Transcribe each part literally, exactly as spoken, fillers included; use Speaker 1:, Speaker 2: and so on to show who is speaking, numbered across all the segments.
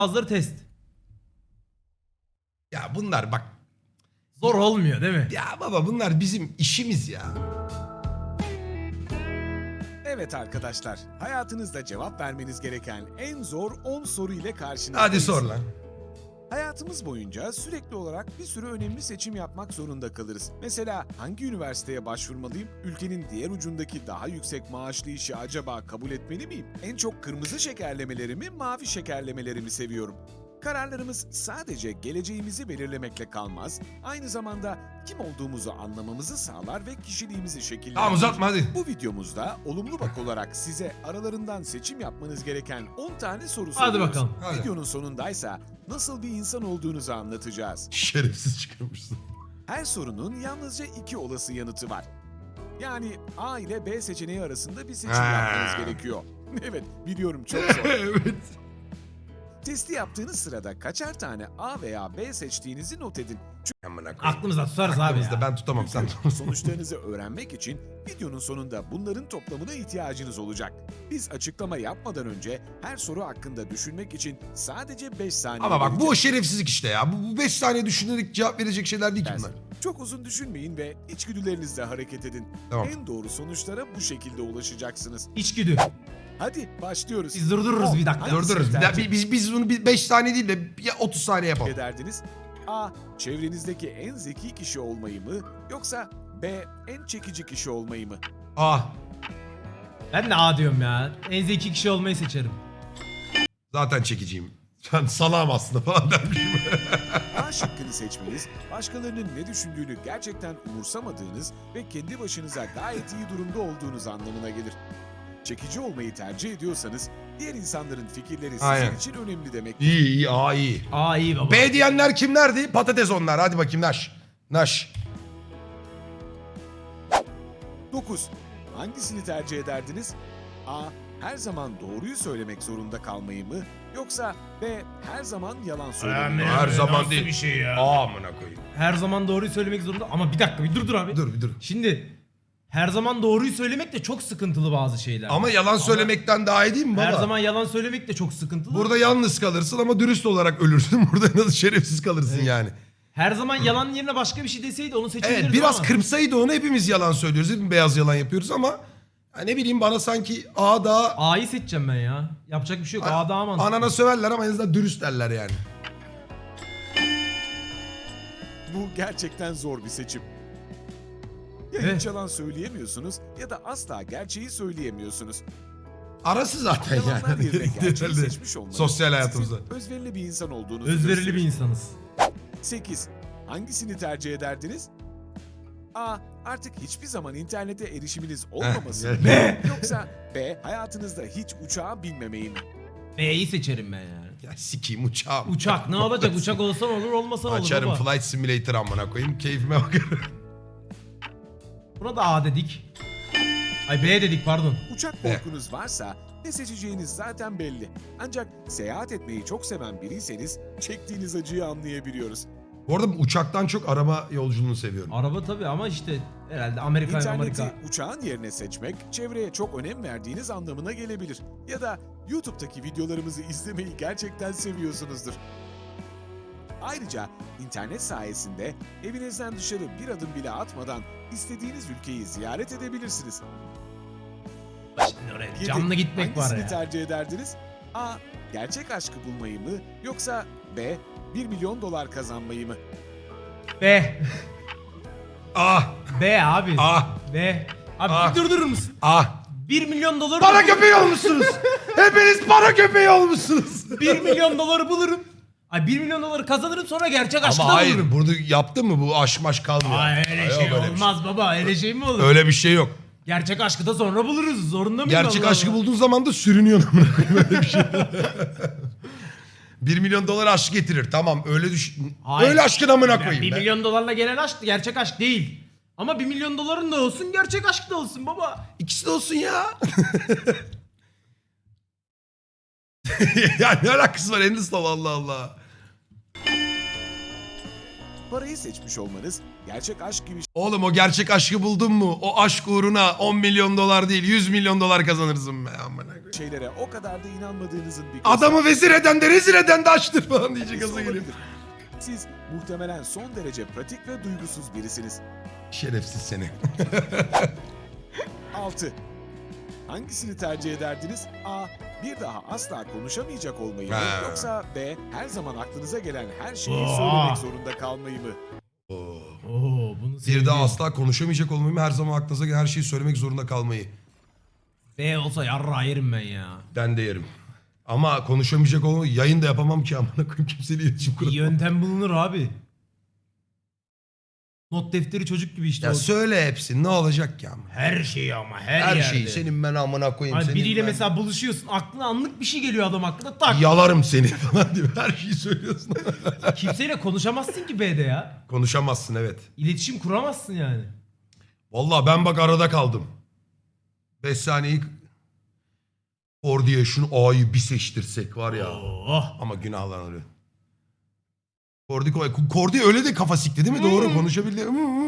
Speaker 1: Bazıları test.
Speaker 2: Ya bunlar bak.
Speaker 1: Zor olmuyor değil mi?
Speaker 2: Ya baba bunlar bizim işimiz ya.
Speaker 3: Evet arkadaşlar, hayatınızda cevap vermeniz gereken en zor on soru ile karşınızdayız.
Speaker 2: Hadi sor lan.
Speaker 3: Hayatımız boyunca sürekli olarak bir sürü önemli seçim yapmak zorunda kalırız. Mesela hangi üniversiteye başvurmalıyım? Ülkenin diğer ucundaki daha yüksek maaşlı işi acaba kabul etmeli miyim? En çok kırmızı şekerlemeleri mi, mavi şekerlemeleri mi seviyorum? Kararlarımız sadece geleceğimizi belirlemekle kalmaz, aynı zamanda kim olduğumuzu anlamamızı sağlar ve kişiliğimizi şekillendirir.
Speaker 2: Tamam uzatma hadi.
Speaker 3: Bu videomuzda olumlu bak olarak size aralarından seçim yapmanız gereken on tane soru
Speaker 1: Hadi
Speaker 3: soruyoruz.
Speaker 1: bakalım.
Speaker 2: Hadi.
Speaker 3: Videonun sonundaysa nasıl bir insan olduğunuzu anlatacağız.
Speaker 2: Şerefsiz çıkarmışsın.
Speaker 3: Her sorunun yalnızca iki olası yanıtı var. Yani A ile B seçeneği arasında bir seçim
Speaker 2: Ha.
Speaker 3: yapmanız gerekiyor. Evet, biliyorum çok zor.
Speaker 2: Evet.
Speaker 3: Testi yaptığınız sırada kaçar tane A veya B seçtiğinizi not edin.
Speaker 2: Amına koyayım.
Speaker 1: Aklımızda tutarız abi
Speaker 2: Aklımızda
Speaker 1: ya.
Speaker 2: ben tutamam sen
Speaker 3: Çünkü
Speaker 2: tutarsın.
Speaker 3: sonuçlarınızı öğrenmek için videonun sonunda bunların toplamına ihtiyacınız olacak. Biz açıklama yapmadan önce her soru hakkında düşünmek için sadece beş saniye
Speaker 2: Ama bak bu o
Speaker 3: vereceğiz.
Speaker 2: şerefsizlik işte ya. Bu beş saniye düşünerek cevap verecek şeyler değil ki bunlar.
Speaker 3: Çok uzun düşünmeyin ve içgüdülerinizle hareket edin.
Speaker 2: Tamam.
Speaker 3: En doğru sonuçlara bu şekilde ulaşacaksınız.
Speaker 1: İçgüdü.
Speaker 3: Hadi başlıyoruz.
Speaker 1: Biz durdururuz
Speaker 3: On.
Speaker 1: bir dakika.
Speaker 3: Hangisini
Speaker 2: Durdururuz. Bir daha-
Speaker 3: tercih
Speaker 2: Biz, biz bunu beş saniye değil de ya otuz saniye yapalım.
Speaker 3: ederdiniz? A. Çevrenizdeki en zeki kişi olmayı mı? Yoksa B. En çekici kişi olmayı mı?
Speaker 2: Ah
Speaker 1: Ben de A diyorum ya. En zeki kişi olmayı seçerim.
Speaker 2: zaten çekiciyim. Ben salağım aslında falan dermişim.
Speaker 3: A şıkkını seçmeniz, başkalarının ne düşündüğünü gerçekten umursamadığınız ve kendi başınıza gayet iyi durumda olduğunuz anlamına gelir. Çekici olmayı tercih ediyorsanız, diğer insanların fikirleri sizin
Speaker 2: Aynen.
Speaker 3: için önemli demek.
Speaker 2: İyi iyi aa iyi.
Speaker 1: A iyi baba.
Speaker 2: B diyenler kimlerdi? Patates onlar. Hadi bakayım Naş. Naş.
Speaker 3: dokuz. Hangisini tercih ederdiniz? A. Her zaman doğruyu söylemek zorunda kalmayı mı? Yoksa B. Her zaman yalan söylemeyi mi?
Speaker 2: Her zaman değil.
Speaker 1: Bir şey ya.
Speaker 2: Aa amına koyayım.
Speaker 1: Her zaman doğruyu söylemek zorunda. Ama bir dakika bir dur dur abi.
Speaker 2: Dur bir dur.
Speaker 1: Şimdi her zaman doğruyu söylemek de çok sıkıntılı bazı şeyler.
Speaker 2: Ama yalan söylemekten daha iyi değil mi baba?
Speaker 1: her zaman yalan söylemek de çok sıkıntılı.
Speaker 2: Burada yalnız kalırsın ama dürüst olarak ölürsün. Burada nasıl şerefsiz kalırsın yani.
Speaker 1: her zaman yalan yerine başka bir şey deseydi onu seçebiliriz
Speaker 2: Evet biraz
Speaker 1: ama.
Speaker 2: kırpsaydı onu hepimiz yalan söylüyoruz. Hepimiz beyaz yalan yapıyoruz ama ya ne bileyim bana sanki A daha
Speaker 1: A'yı seçeceğim ben ya. Yapacak bir şey yok. A daha mantıklı.
Speaker 2: anana söverler ama en azından dürüst derler yani.
Speaker 3: Bu gerçekten zor bir seçim. Ya
Speaker 1: Evet.
Speaker 3: hiç yalan söyleyemiyorsunuz ya da asla gerçeği söyleyemiyorsunuz.
Speaker 2: Arası zaten
Speaker 3: Yalanlar
Speaker 2: yani.
Speaker 3: yerine gerçeği
Speaker 2: Herhalde
Speaker 3: seçmiş olmanız
Speaker 2: sosyal hayatımızda.
Speaker 3: sizin özverili bir insan olduğunuzu
Speaker 1: Özverili
Speaker 3: gösterir.
Speaker 1: bir insanız.
Speaker 3: sekiz. Hangisini tercih ederdiniz? A. Artık hiçbir zaman internete erişiminiz olmaması mı?
Speaker 2: evet.
Speaker 3: Yoksa B. Hayatınızda hiç uçağa binmemeyi mi?
Speaker 1: B'yi seçerim ben yani.
Speaker 2: Ya sikeyim uçağım.
Speaker 1: Uçak ne olacak? Uçak olsan olur olmasan olur
Speaker 2: Açarım
Speaker 1: baba.
Speaker 2: Flight Simulator amına koyayım. Keyfime bakarım.
Speaker 1: Buna da A dedik. Ay B dedik pardon.
Speaker 3: Uçak korkunuz varsa ne seçeceğiniz zaten belli. Ancak seyahat etmeyi çok seven biriyseniz çektiğiniz acıyı anlayabiliyoruz.
Speaker 2: Bu arada uçaktan çok araba yolculuğunu seviyorum.
Speaker 1: Araba tabii ama işte herhalde Amerika
Speaker 3: İnterneti
Speaker 1: Amerika.
Speaker 3: uçağın yerine seçmek, çevreye çok önem verdiğiniz anlamına gelebilir. Ya da YouTube'daki videolarımızı izlemeyi gerçekten seviyorsunuzdur. Ayrıca internet sayesinde evinizden dışarı bir adım bile atmadan istediğiniz ülkeyi ziyaret edebilirsiniz.
Speaker 1: Şimdi oraya
Speaker 3: Yedi.
Speaker 1: canlı gitmek var
Speaker 3: Hangisini
Speaker 1: ya.
Speaker 3: tercih ederdiniz? A. Gerçek aşkı bulmayı mı? Yoksa B. bir milyon dolar kazanmayı mı?
Speaker 1: B.
Speaker 2: Ah
Speaker 1: B abi.
Speaker 2: ah
Speaker 1: B. Abi
Speaker 2: Ah.
Speaker 1: bir durdurur musun?
Speaker 2: ah.
Speaker 1: bir milyon doları
Speaker 2: Para köpeği olmuşsunuz. Hepiniz para köpeği olmuşsunuz.
Speaker 1: bir milyon doları bulurum. Ay bir milyon doları kazanırım sonra gerçek aşkı
Speaker 2: Ama
Speaker 1: da
Speaker 2: hayır
Speaker 1: bulurum.
Speaker 2: bunu yaptın mı bu aşk maş kalmıyor.
Speaker 1: Ay öyle
Speaker 2: Yok,
Speaker 1: şey
Speaker 2: öyle bir
Speaker 1: olmaz baba. Öyle şey mi olur?
Speaker 2: Öyle bir şey yok.
Speaker 1: Gerçek aşkı da sonra buluruz. Zorunda mıyım?
Speaker 2: Gerçek
Speaker 1: Allah
Speaker 2: aşkı
Speaker 1: Allah?
Speaker 2: bulduğun zaman da sürünüyorsun amına koyayım öyle bir şey. bir milyon dolar aşk getirir. Tamam öyle düş.
Speaker 1: Hayır.
Speaker 2: Öyle aşkın amına
Speaker 1: Ya
Speaker 2: koyayım.
Speaker 1: bir
Speaker 2: be.
Speaker 1: milyon dolarla gelen aşk gerçek aşk değil. Ama bir milyon doların da olsun gerçek aşk da olsun baba.
Speaker 2: İkisi de olsun ya. ya ne alakası var Endis'le Allah Allah.
Speaker 3: Parayı seçmiş olmanız gerçek aşk gibi
Speaker 2: Oğlum o gerçek aşkı buldun mu? O aşk uğruna on milyon dolar değil yüz milyon dolar kazanırsın be. Amına koyayım.
Speaker 3: şeylere o kadar da inanmadığınızın bir
Speaker 2: Adamı vezir eden de rezil eden de açtır falan diyecek
Speaker 3: göstergesi
Speaker 2: gaza gelip.
Speaker 3: olabilir. Siz muhtemelen son derece pratik ve duygusuz birisiniz.
Speaker 2: Şerefsiz seni.
Speaker 3: altı. Hangisini tercih ederdiniz? A. Bir daha asla konuşamayacak olmayı mı?
Speaker 2: Ha.
Speaker 3: Yoksa B. Her zaman aklınıza gelen her şeyi
Speaker 1: Aa.
Speaker 3: söylemek zorunda kalmayı mı?
Speaker 2: Oo.
Speaker 1: Oo bunu
Speaker 2: Bir
Speaker 1: sevdim.
Speaker 2: daha asla konuşamayacak olmayı, her zaman aklınıza gelen her şeyi söylemek zorunda kalmayı.
Speaker 1: B olsa yarra yerim ben ya.
Speaker 2: Ben de yerim. Ama konuşamayacak olmayı yayın da yapamam ki amına koyayım, kimseyle iletişim
Speaker 1: Bir
Speaker 2: kuramam.
Speaker 1: yöntem bulunur abi. Not defteri çocuk gibi işte.
Speaker 2: Ya
Speaker 1: o.
Speaker 2: söyle hepsini, ne olacak ya?
Speaker 1: Her şeyi ama her,
Speaker 2: Her
Speaker 1: yerde.
Speaker 2: şeyi senin ben amına koyayım.
Speaker 1: Hani
Speaker 2: senin
Speaker 1: biriyle
Speaker 2: ben...
Speaker 1: mesela buluşuyorsun, aklına anlık bir şey geliyor adam aklına, tak.
Speaker 2: Yalarım seni falan diyor. Her şeyi söylüyorsun.
Speaker 1: Kimseyle konuşamazsın ki B'de ya.
Speaker 2: Konuşamazsın evet.
Speaker 1: İletişim kuramazsın yani.
Speaker 2: Vallahi ben bak arada kaldım. beş saniyeyi Kordi'ye şunu A'yı bir seçtirsek var ya.
Speaker 1: Oh.
Speaker 2: Ama günahlanır. Kordi, Kordi öyle de kafa sikti değil mi? Doğru konuşabildi.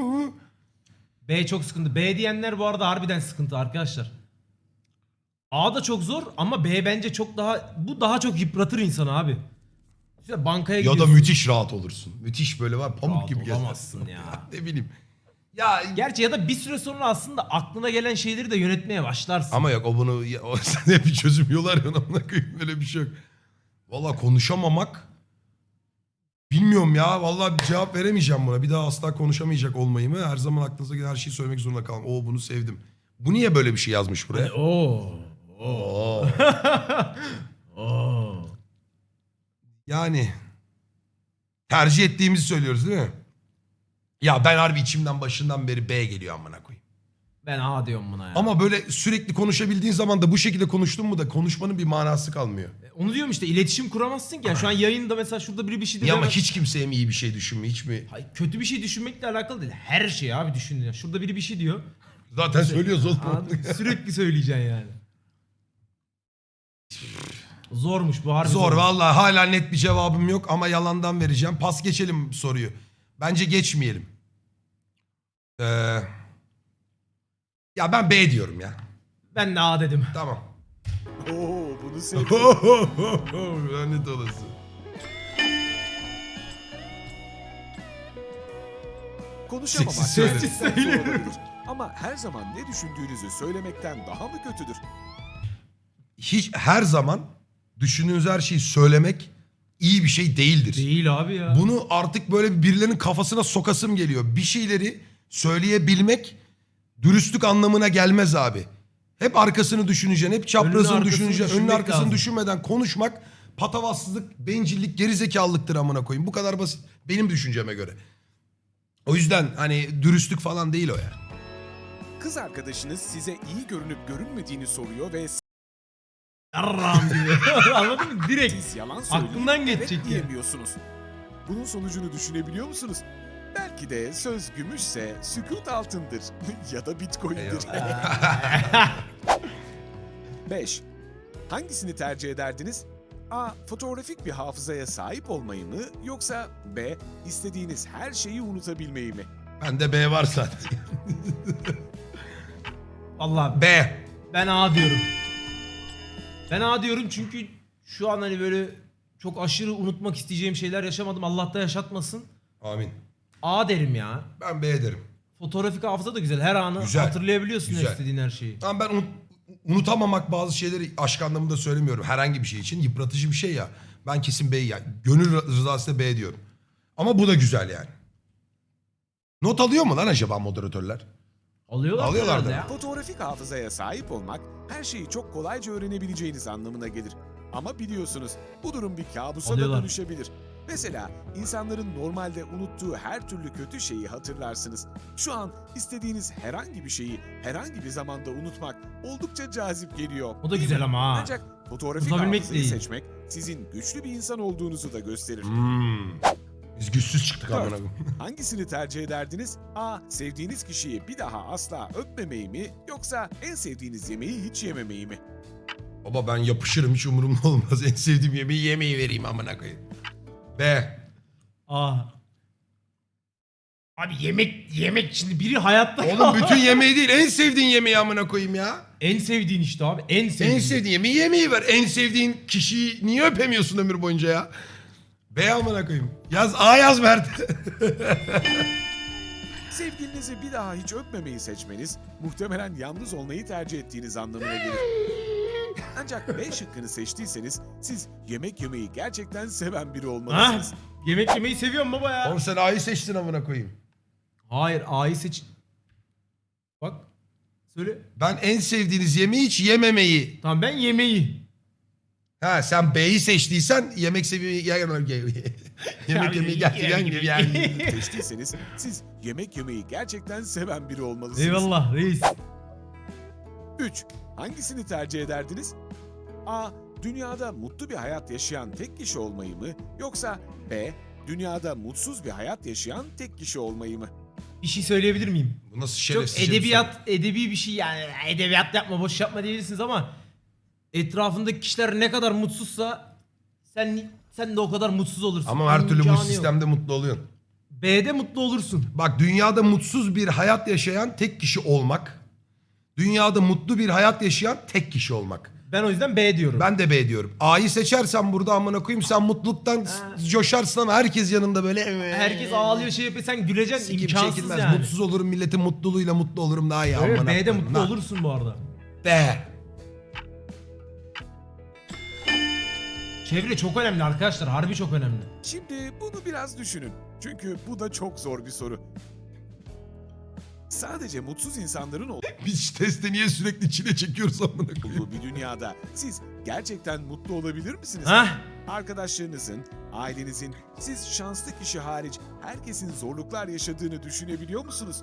Speaker 1: B çok sıkıntı. B diyenler bu arada harbiden sıkıntı arkadaşlar. A da çok zor ama B bence çok daha, bu daha çok yıpratır insanı abi. İşte bankaya
Speaker 2: Ya da
Speaker 1: gidiyorsun.
Speaker 2: müthiş rahat olursun. Müthiş böyle var pamuk
Speaker 1: Rahat
Speaker 2: gibi gezersin.
Speaker 1: olamazsın ya.
Speaker 2: Ne bileyim. Ya
Speaker 1: Gerçi ya da bir süre sonra aslında aklına gelen şeyleri de yönetmeye başlarsın.
Speaker 2: ama yok o bunu ya, o, sen hep bir çözüm yolu arıyorsun amına koyayım, böyle bir şey yok. Valla konuşamamak bilmiyorum ya, vallahi bir cevap veremeyeceğim buna. Bir daha asla konuşamayacak olmayı mı? Her zaman aklınıza gelen her şeyi söylemek zorunda kalmak. Oo bunu sevdim. Bu niye böyle bir şey yazmış buraya?
Speaker 1: Hani, oo.
Speaker 2: Oo.
Speaker 1: Oo.
Speaker 2: Yani tercih ettiğimizi söylüyoruz değil mi? Ya ben harbi içimden başından beri B geliyor amına koyayım.
Speaker 1: Ben A diyorum buna ya.
Speaker 2: Ama böyle sürekli konuşabildiğin zaman da bu şekilde konuştun mu da konuşmanın bir manası kalmıyor.
Speaker 1: Onu diyorum işte, iletişim kuramazsın ki. Yani şu an yayında mesela şurada biri bir şey dedi.
Speaker 2: Ya ama
Speaker 1: hemen-
Speaker 2: hiç kimseye mi iyi bir şey düşünme, hiç mi?
Speaker 1: Hayır, kötü bir şey düşünmekle alakalı değil. Her şey abi düşünün. ya. Şurada biri bir şey diyor.
Speaker 2: Zaten söylüyoruz oğlum.
Speaker 1: Anladın mı? Sürekli söyleyeceksin yani. Zormuş bu harbi.
Speaker 2: Zor
Speaker 1: zormuş.
Speaker 2: vallahi, hala net bir cevabım yok ama yalandan vereceğim. Pas geçelim soruyu. Bence geçmeyelim. Ee, ya ben B diyorum ya.
Speaker 1: Ben de A dedim.
Speaker 2: Tamam.
Speaker 3: Oo, bunu sevdim.
Speaker 2: Lanet olası.
Speaker 3: Konuşamamak
Speaker 2: Sessiz söyle.
Speaker 3: gerçekten zor olabilir. Ama her zaman ne düşündüğünüzü söylemekten daha mı kötüdür?
Speaker 2: Hiç her zaman düşündüğünüz her şeyi söylemek iyi bir şey değildir.
Speaker 1: Değil abi ya.
Speaker 2: Bunu artık böyle birilerinin kafasına sokasım geliyor. Bir şeyleri söyleyebilmek dürüstlük anlamına gelmez abi. Hep arkasını düşüneceksin, hep
Speaker 1: Önünü,
Speaker 2: çaprazını
Speaker 1: arkasını
Speaker 2: düşüneceksin. Önünü
Speaker 1: düşünmek
Speaker 2: arkasını
Speaker 1: lazım.
Speaker 2: düşünmeden konuşmak patavatsızlık, bencillik, gerizekalılıktır amına koyayım. Bu kadar basit benim düşünceme göre. O yüzden hani dürüstlük falan değil o ya.
Speaker 3: Kız arkadaşınız size iyi görünüp görünmediğini soruyor ve
Speaker 1: Yarram gibi. Anladın mı? Direkt.
Speaker 3: siz yalan söyleyip
Speaker 1: Aklından
Speaker 3: evet
Speaker 1: geçecek ya.
Speaker 3: diyemiyorsunuz. Bunun sonucunu düşünebiliyor musunuz? Belki de söz gümüşse sükut altındır ya da bitcoin'dir. beş. Hangisini tercih ederdiniz? A. Fotoğrafik bir hafızaya sahip olmayı mı? Yoksa B. İstediğiniz her şeyi unutabilmeyi mi?
Speaker 2: Bende B var zaten.
Speaker 1: Vallahi
Speaker 2: B.
Speaker 1: ben A diyorum. Ben A diyorum çünkü şu an hani böyle çok aşırı unutmak isteyeceğim şeyler yaşamadım. Allah da yaşatmasın.
Speaker 2: Amin.
Speaker 1: A derim ya.
Speaker 2: Ben B derim.
Speaker 1: Fotoğrafik hafıza da güzel. Her anı
Speaker 2: Güzel.
Speaker 1: hatırlayabiliyorsun
Speaker 2: Güzel.
Speaker 1: istediğin her şeyi.
Speaker 2: Ama ben unut- unutamamak bazı şeyleri aşk anlamında söylemiyorum. Herhangi bir şey için yıpratıcı bir şey ya. Ben kesin B'yi yani. Gönül rızasıyla B diyorum. Ama bu da güzel yani. Not alıyor mu lan acaba moderatörler?
Speaker 1: Alıyorlar.
Speaker 2: Alıyorlar
Speaker 1: herhalde
Speaker 2: da.
Speaker 1: ya.
Speaker 3: Fotoğrafik hafızaya sahip olmak her şeyi çok kolayca öğrenebileceğiniz anlamına gelir. Ama biliyorsunuz bu durum bir kabusa
Speaker 1: Alıyorlar.
Speaker 3: da dönüşebilir. Mesela insanların normalde unuttuğu her türlü kötü şeyi hatırlarsınız. Şu an istediğiniz herhangi bir şeyi herhangi bir zamanda unutmak oldukça cazip geliyor.
Speaker 1: O da
Speaker 3: değil
Speaker 1: güzel
Speaker 3: mi?
Speaker 1: ama ha.
Speaker 3: Ancak fotoğrafik
Speaker 1: Unutabilmek
Speaker 3: hafızayı
Speaker 1: değil.
Speaker 3: seçmek sizin güçlü bir insan olduğunuzu da gösterir.
Speaker 2: Hmm. Biz güçsüz çıktık
Speaker 3: Dört.
Speaker 2: amına koyayım.
Speaker 3: Hangisini tercih ederdiniz? A. Sevdiğiniz kişiyi bir daha asla öpmemeyi mi? Yoksa en sevdiğiniz yemeği hiç yememeyi mi?
Speaker 2: Baba ben yapışırım, hiç umurumda olmaz. En sevdiğim yemeği yemeği vereyim amına koyayım. B.
Speaker 1: A. Abi yemek yemek şimdi biri hayatta
Speaker 2: Oğlum bütün yemeği değil en sevdiğin yemeği amına koyayım ya.
Speaker 1: en sevdiğin işte abi en sevdiğin.
Speaker 2: En sevdiğin yemeği yemeği ver. En sevdiğin kişiyi niye öpemiyorsun ömür boyunca ya? B amına koyayım. Yaz A yaz Mert.
Speaker 3: Sevgilinizi bir daha hiç öpmemeyi seçmeniz muhtemelen yalnız olmayı tercih ettiğiniz anlamına gelir. Ancak B şıkkını seçtiyseniz siz yemek yemeyi gerçekten seven biri
Speaker 1: Ha?
Speaker 3: olmalısınız.
Speaker 1: Yemek yemeyi seviyorum baba ya.
Speaker 2: Oğlum sen A'yı seçtin amına koyayım.
Speaker 1: Hayır A'yı seç. Bak. Söyle.
Speaker 2: Ben en sevdiğiniz yemeği hiç yememeyi.
Speaker 1: Tamam ben yemeği.
Speaker 2: Ha sen B'yi seçtiysen yemek seviyeyi yemek yemek yemeyi gerçekten gibi yani.
Speaker 3: Seçtiyseniz siz yemek yemeyi gerçekten seven biri olmalısınız.
Speaker 1: Eyvallah reis.
Speaker 3: üç. Hangisini tercih ederdiniz? A. Dünyada mutlu bir hayat yaşayan tek kişi olmayı mı? Yoksa B. Dünyada mutsuz bir hayat yaşayan tek kişi olmayı mı?
Speaker 1: Bir şey söyleyebilir miyim?
Speaker 2: Bu nasıl
Speaker 1: Çok
Speaker 2: şerefsizce bir soru?
Speaker 1: edebiyat, edebi bir şey yani. Edebiyat yapma, boş yapma diyebilirsiniz ama etrafındaki kişiler ne kadar mutsuzsa sen sen de o kadar mutsuz olursun.
Speaker 2: Ama her türlü bu
Speaker 1: İmkanı yok.
Speaker 2: sistemde mutlu oluyorsun.
Speaker 1: B'de mutlu olursun.
Speaker 2: Bak dünyada mutsuz bir hayat yaşayan tek kişi olmak. Dünyada mutlu bir hayat yaşayan tek kişi olmak.
Speaker 1: Ben o yüzden B diyorum.
Speaker 2: Ben de B diyorum. A'yı seçersen burada amına koyayım sen mutluluktan
Speaker 1: Ha.
Speaker 2: coşarsın ama herkes yanında böyle.
Speaker 1: Herkes ağlıyor şey yapıyor sen güleceksin
Speaker 2: Sikim
Speaker 1: imkansız
Speaker 2: çekilmez.
Speaker 1: yani.
Speaker 2: Mutsuz olurum milletin mutluluğuyla mutlu olurum daha iyi.
Speaker 1: Evet,
Speaker 2: amına
Speaker 1: B'de
Speaker 2: koyayım.
Speaker 1: mutlu
Speaker 2: Ha.
Speaker 1: olursun bu arada.
Speaker 2: B.
Speaker 1: Çevre çok önemli arkadaşlar. Harbi çok önemli.
Speaker 3: Şimdi bunu biraz düşünün. Çünkü bu da çok zor bir soru. Sadece mutsuz insanların
Speaker 2: Biz testi niye sürekli çile çekiyoruz amına koyayım?
Speaker 3: olduğu bir dünyada siz gerçekten mutlu olabilir misiniz?
Speaker 1: Hah.
Speaker 3: Arkadaşlarınızın, ailenizin, siz şanslı kişi hariç herkesin zorluklar yaşadığını düşünebiliyor musunuz?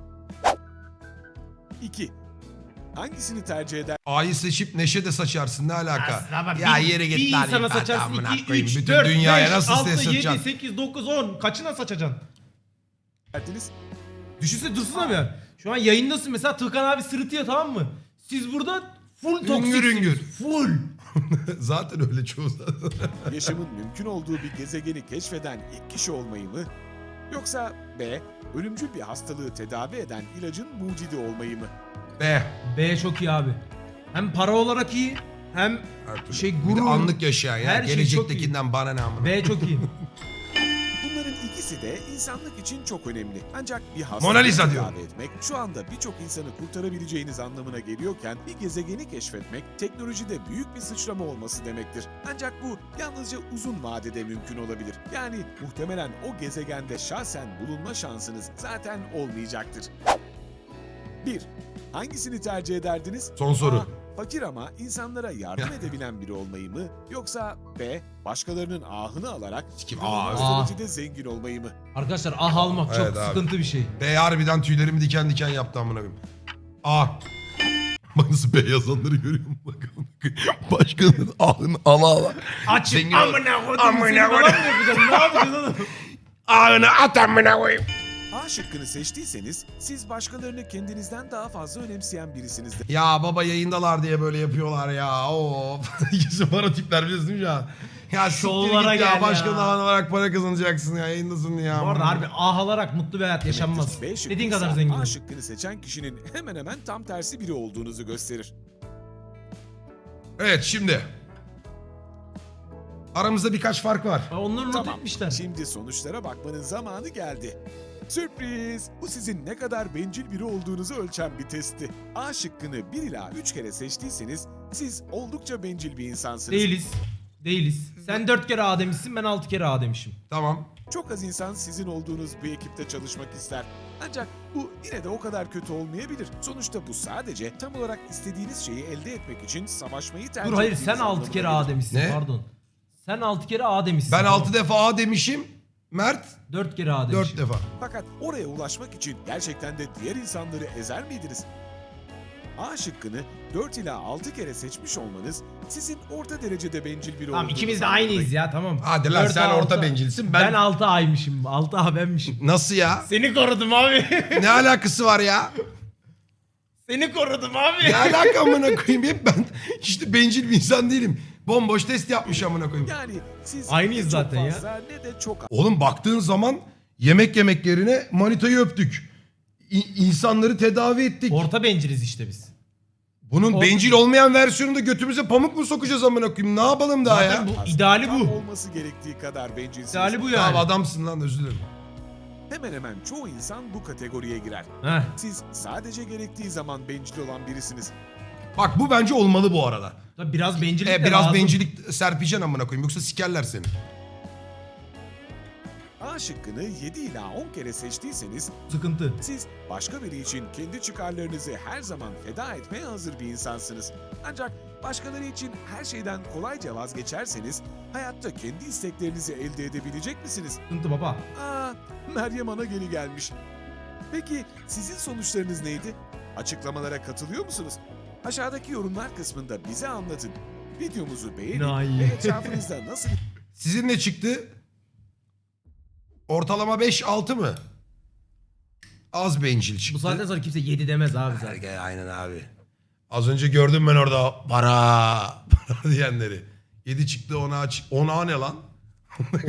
Speaker 3: iki. Hangisini tercih eder?
Speaker 2: A'yı seçip neşe de saçarsın ne alaka?
Speaker 1: Aslında ama
Speaker 2: ya
Speaker 1: bir,
Speaker 2: yere git
Speaker 1: bir
Speaker 2: lan
Speaker 1: insana
Speaker 2: ipat
Speaker 1: saçarsın
Speaker 2: amına
Speaker 1: iki,
Speaker 2: koyayım.
Speaker 1: üç,
Speaker 2: Bütün
Speaker 1: dört,
Speaker 2: dünyaya
Speaker 1: beş,
Speaker 2: nasıl
Speaker 1: altı,
Speaker 2: stres
Speaker 1: yedi,
Speaker 2: satacaksın?
Speaker 1: sekiz, dokuz, on. Kaçına saçacaksın?
Speaker 3: Derdiniz?
Speaker 1: Düşünsene dursun abi ya. Şu an yayındasın mesela Tıkan abi sırıtıyor tamam mı? Siz burada full
Speaker 2: Üngür
Speaker 1: toksiksiniz.
Speaker 2: üngür.
Speaker 1: Full.
Speaker 2: Zaten öyle çoğu zaten.
Speaker 3: Yaşamın mümkün olduğu bir gezegeni keşfeden ilk kişi olmayı mı? Yoksa B. Ölümcül bir hastalığı tedavi eden ilacın mucidi olmayı mı?
Speaker 2: B.
Speaker 1: B çok iyi abi. Hem para olarak iyi hem
Speaker 2: Her türlü.
Speaker 1: şey
Speaker 2: Bir de
Speaker 1: gurur.
Speaker 2: anlık yaşayan ya.
Speaker 1: Her şey
Speaker 2: Gelecektekinden bana ne amına.
Speaker 1: B çok iyi.
Speaker 3: Bunların ikisi de insanlık için çok önemli. Ancak bir
Speaker 2: Mona
Speaker 3: hastalığı
Speaker 2: Lisa
Speaker 3: tedavi
Speaker 2: diyorum.
Speaker 3: etmek şu anda birçok insanı kurtarabileceğiniz anlamına geliyorken bir gezegeni keşfetmek teknolojide büyük bir sıçrama olması demektir. Ancak bu yalnızca uzun vadede mümkün olabilir. Yani muhtemelen o gezegende şahsen bulunma şansınız zaten olmayacaktır. bir. Hangisini tercih ederdiniz?
Speaker 2: Son soru.
Speaker 3: A. Fakir ama insanlara yardım edebilen biri olmayı mı? Yoksa B. Başkalarının ahını alarak
Speaker 2: Sikim,
Speaker 3: inanılmaz
Speaker 1: ah.
Speaker 3: derecede zengin olmayı mı?
Speaker 1: Arkadaşlar ah almak çok
Speaker 2: Evet abi.
Speaker 1: sıkıntı bir şey.
Speaker 2: B harbiden tüylerimi diken diken yaptı amına koyayım. A. Bak nasıl B yazanları görüyor musun? Bak amına koyayım. Başkanın ahını ala ala.
Speaker 1: Açık
Speaker 2: Zengin-
Speaker 1: amına koydum
Speaker 2: Amına
Speaker 1: seni falan mı
Speaker 2: koydum.
Speaker 1: yapacaksın? Ne yapacaksın oğlum?
Speaker 2: Ahını at amına koyayım.
Speaker 3: A şıkkını seçtiyseniz siz başkalarını kendinizden daha fazla önemseyen birisinizdir.
Speaker 2: Ya baba yayındalar diye böyle yapıyorlar ya. Of. İkisi para tipler biliyorsun değil mi ya? Ya siktir
Speaker 1: Şovlara
Speaker 2: git ya.
Speaker 1: gel ya.
Speaker 2: Başkanın ahını olarak para kazanacaksın ya. Yayındasın ya.
Speaker 1: Bu arada harbi ah alarak mutlu bir hayat yaşanmaz.
Speaker 3: B şıkkı
Speaker 1: Dediğin kadar
Speaker 3: ise
Speaker 1: zengin
Speaker 3: A
Speaker 1: ol.
Speaker 3: şıkkını seçen kişinin hemen hemen tam tersi biri olduğunuzu gösterir.
Speaker 2: Evet şimdi. Aramızda birkaç fark var.
Speaker 1: Ha, Onları not
Speaker 3: Tamam,
Speaker 1: etmişler.
Speaker 3: şimdi sonuçlara bakmanın zamanı geldi. Sürpriz! Bu sizin ne kadar bencil biri olduğunuzu ölçen bir testti. A şıkkını bir ila üç kere seçtiyseniz siz oldukça bencil bir insansınız.
Speaker 1: Değiliz. Değiliz. Sen dört kere A demişsin ben altı kere A demişim.
Speaker 2: Tamam.
Speaker 3: Çok az insan sizin olduğunuz bir ekipte çalışmak ister. Ancak bu yine de o kadar kötü olmayabilir. Sonuçta bu sadece tam olarak istediğiniz şeyi elde etmek için savaşmayı tercih
Speaker 1: Dur hayır
Speaker 3: ettiğiniz
Speaker 1: sen altı
Speaker 3: anlamına
Speaker 1: kere
Speaker 3: gelir.
Speaker 1: A demişsin
Speaker 2: Ne?
Speaker 1: pardon. Sen altı kere A demişsin.
Speaker 2: Ben altı defa A demişim. Mert
Speaker 1: dört kere A demişim.
Speaker 2: dört defa.
Speaker 3: Fakat oraya ulaşmak için gerçekten de diğer insanları ezer miydiniz? A şıkkını dört ila altı kere seçmiş olmanız sizin orta derecede bencil biri
Speaker 1: Tamam
Speaker 3: olduğunuzu
Speaker 1: ikimiz de
Speaker 3: anlamına
Speaker 1: aynıyız ya tamam.
Speaker 2: Hadi lan
Speaker 1: Dört
Speaker 2: sen
Speaker 1: A,
Speaker 2: orta
Speaker 1: altı-
Speaker 2: bencilsin.
Speaker 1: Ben,
Speaker 2: Ben,
Speaker 1: altı A'ymışım. altı A benmişim.
Speaker 2: Nasıl ya?
Speaker 1: Seni korudum abi.
Speaker 2: Ne alakası var ya?
Speaker 1: Seni korudum abi.
Speaker 2: Ne alaka amına koyayım? Hep ben işte bencil bir insan değilim. Bomboş test yapmış amına koyayım.
Speaker 3: Yani siz
Speaker 1: Aynıyız
Speaker 3: ne çok
Speaker 1: zaten ya.
Speaker 3: fazla ne de çok
Speaker 2: Oğlum baktığın zaman Yemek yemek yerine manitayı öptük. İ- insanları tedavi ettik.
Speaker 1: Orta benciliz işte biz.
Speaker 2: Bunun
Speaker 1: Or-
Speaker 2: bencil olmayan versiyonunda götümüze pamuk mu sokacağız amına koyayım? Ne yapalım daha
Speaker 1: Zaten
Speaker 2: ya?
Speaker 1: bu
Speaker 3: Aslında
Speaker 1: ideali
Speaker 3: tam
Speaker 1: bu.
Speaker 3: olması gerektiği kadar bencilsiniz.
Speaker 1: İdeali bu
Speaker 2: Tamam
Speaker 1: yani.
Speaker 2: adamsın lan, özür dilerim.
Speaker 3: Hemen hemen çoğu insan bu kategoriye girer.
Speaker 1: Heh.
Speaker 3: Siz sadece gerektiği zaman bencil olan birisiniz.
Speaker 2: Bak bu bence olmalı bu arada.
Speaker 1: Tabii biraz bencillik
Speaker 2: E,
Speaker 1: de
Speaker 2: biraz
Speaker 1: lazım.
Speaker 2: bencillik serpeceksin amına koyayım, yoksa sikerler seni.
Speaker 3: A şıkkını yedi ila on kere seçtiyseniz
Speaker 1: Sıkıntı.
Speaker 3: siz başka biri için kendi çıkarlarınızı her zaman feda etmeye hazır bir insansınız. Ancak başkaları için her şeyden kolayca vazgeçerseniz hayatta kendi isteklerinizi elde edebilecek misiniz?
Speaker 1: Sıkıntı baba.
Speaker 3: Aa, Meryem Ana geri gelmiş. Peki sizin sonuçlarınız neydi? Açıklamalara katılıyor musunuz? Aşağıdaki yorumlar kısmında bize anlatın. Videomuzu beğenin
Speaker 1: Enayi.
Speaker 3: ve etrafınızda nasıl
Speaker 2: Sizin ne çıktı? Ortalama beş altı mı? Az bencil çıktı.
Speaker 1: Bu saatten sonra kimse yedi demez abi zaten.
Speaker 2: Erge, aynen abi. Az önce gördüm ben orada para, para diyenleri. yedi çıktı, ona aç. ona ne lan?